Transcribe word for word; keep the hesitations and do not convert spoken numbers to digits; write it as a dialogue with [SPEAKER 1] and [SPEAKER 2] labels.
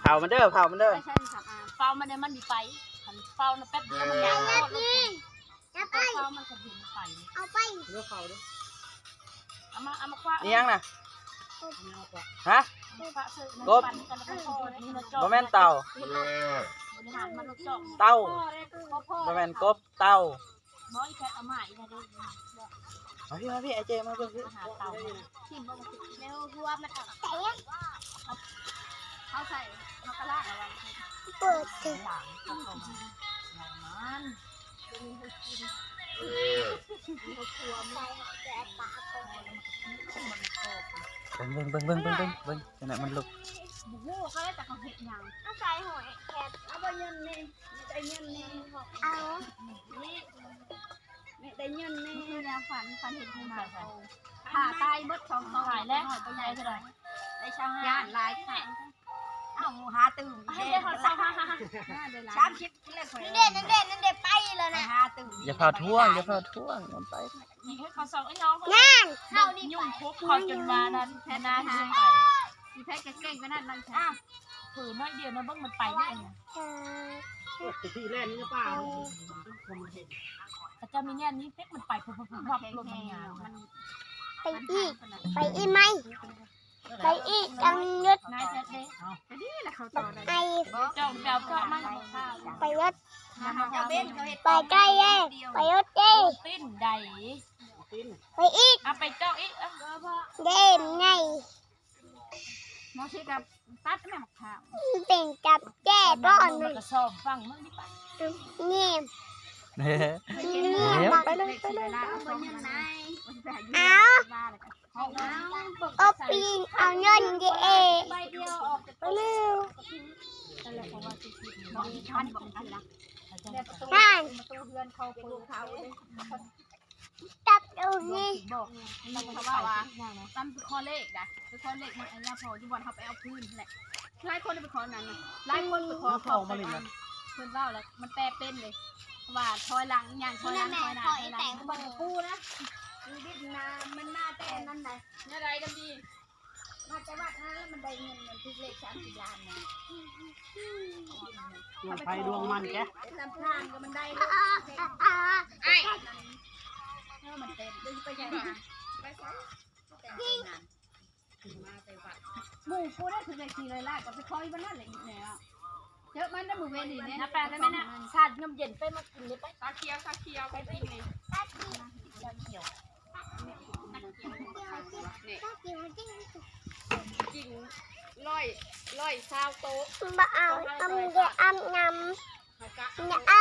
[SPEAKER 1] ผามันเด้อเผามันเด้อ
[SPEAKER 2] ใช่ใช่ค่ะเฝ้ามันเนี่ยมันมีไฟเฝ้านะแป๊บเดียวมันยาวหมดเลยเฝ้ามันกระดิ่งไฟเอาไปเลือกเขาด้วยเอามาเอามาคว้า
[SPEAKER 1] นี่ยังน่ะฮะกบบ่แม่นเต่าเต่าบ่แม่นกบเต่า
[SPEAKER 2] น้อยแค่เอาใหม่นะดู
[SPEAKER 1] มาพี่มาพี่ไอเจมาเบิ่งพี่
[SPEAKER 2] หาเต่าทิ่มบ่มาเร็วหัวมันเอาเขาใส่มะกะลาอะไร
[SPEAKER 3] เปิดสิ
[SPEAKER 2] หลังเขาลงมันจะมีให้กินเขาครัวไม่แก่ปาก
[SPEAKER 1] เบิ่งเบิ่งเบิ่งเบิ่งเบิ่งเบิ่งขณะมันลุก
[SPEAKER 2] บุ้งเขาได้แต่เขาเห็ดยัง
[SPEAKER 3] เอาใส่หอยแคบเอาไปเงินนี่ได้เงินนี่เอา
[SPEAKER 2] นี่
[SPEAKER 3] ไม่ได้เงินนี่
[SPEAKER 2] เนี่ยฝันฝันเห็นที่มาผ่าตายเบิดสองตัวหายแล้วตัวใหญ่เท่าไหร่ได้ช่างย่านลายแข็งเอาหาตื่นให้ได้หอดสองห้าห้าสามชิปเล่นคน
[SPEAKER 3] นั่นเด่นนั่นเด่นนั่นเด่นไปเลยนะ
[SPEAKER 2] หาตื่น
[SPEAKER 1] อย่าเผาท่วงอย่าเผาท่วงมันไป
[SPEAKER 2] นี่ให้เขาสองไอ้น้อง
[SPEAKER 3] งาน
[SPEAKER 2] เข้านี่ยุ่งคุกเขาจนมานั้นแทนนาหายไปมีแพ้เก่งก็นั่นนั่นใช่ผืนน้อยเดียวนะเบิ้งมันไปได้ไง
[SPEAKER 4] ที่แรกนี่จะเปล่า
[SPEAKER 2] แต่จะมีเนี่ยนี้เพ็กมันไปพุ่งพุ่งพุ่งรอบรถงานมัน
[SPEAKER 3] ไปอีกไปอีกไหมไปอีกจังยุด
[SPEAKER 2] นายเจ๊เจ๊นี่แหละเขาต่อ
[SPEAKER 3] ไป
[SPEAKER 2] เจ้าเจ้าเจ้ามัน
[SPEAKER 3] ไปยุดไปใกล้เย่ไปยุดเย่
[SPEAKER 2] ปิ้นใด
[SPEAKER 3] ไปอีก
[SPEAKER 2] เอาไปเจ้าอีก
[SPEAKER 3] เด่นไง
[SPEAKER 2] มอชิกับตัดแม่หมกขาว
[SPEAKER 3] เป็นกับแก้ร้อนเลย
[SPEAKER 2] กระสอบฟังมันดิปะ
[SPEAKER 3] เงียบ
[SPEAKER 1] เฮ้ยไปเลยไปเลย
[SPEAKER 3] เอาเอาปีนเอาเงินเย่ไปเร็วนั่นจับดูนี่
[SPEAKER 2] บอกมันเขาว่าว่าตั้มคอเลขนะคือคอเลขมันอันนี้พอที่บอลเขาไปเอาพื้นแหละหลายคนไปขอนั้นนะหลายคนไปขอเขาไปเพื่อนว่าแล้วมันแปรเป็นเลยว่าถอยหลังอย่างถอยหลังถอยหน้าถอยหลังมันกู้นะดิบนามันน่าแต่นั่นไหนเนี่ยไรดำดีมาจะวัดนะแล้วมันได้เงินเงินทุกเลขสามสิบล้านนะ
[SPEAKER 4] ดวงไฟดวงมันแก
[SPEAKER 2] ลำพลางก็มันได้ไอ้เออมันเต็มดึงไปยังไงไปใช้แต่งงานมาไปวัดหมู่กูได้ถึงเลยทีเลยล่ะก็ไปคอยมันนั่นแหละอีกแล้วเยอะมันได้หมู่เวรีเนี่ยน้าแปลได้ไหมเนี่ยชาติน้ำเย็นไปมากินเลยไปตาเคียวตาเคียวไปกินเลยตาเคียวตาเคียวกินร้อยร้อยซาวโต๊ะ
[SPEAKER 3] บ่เอาเอาเดี๋ยวอาบน้ำอย่าอา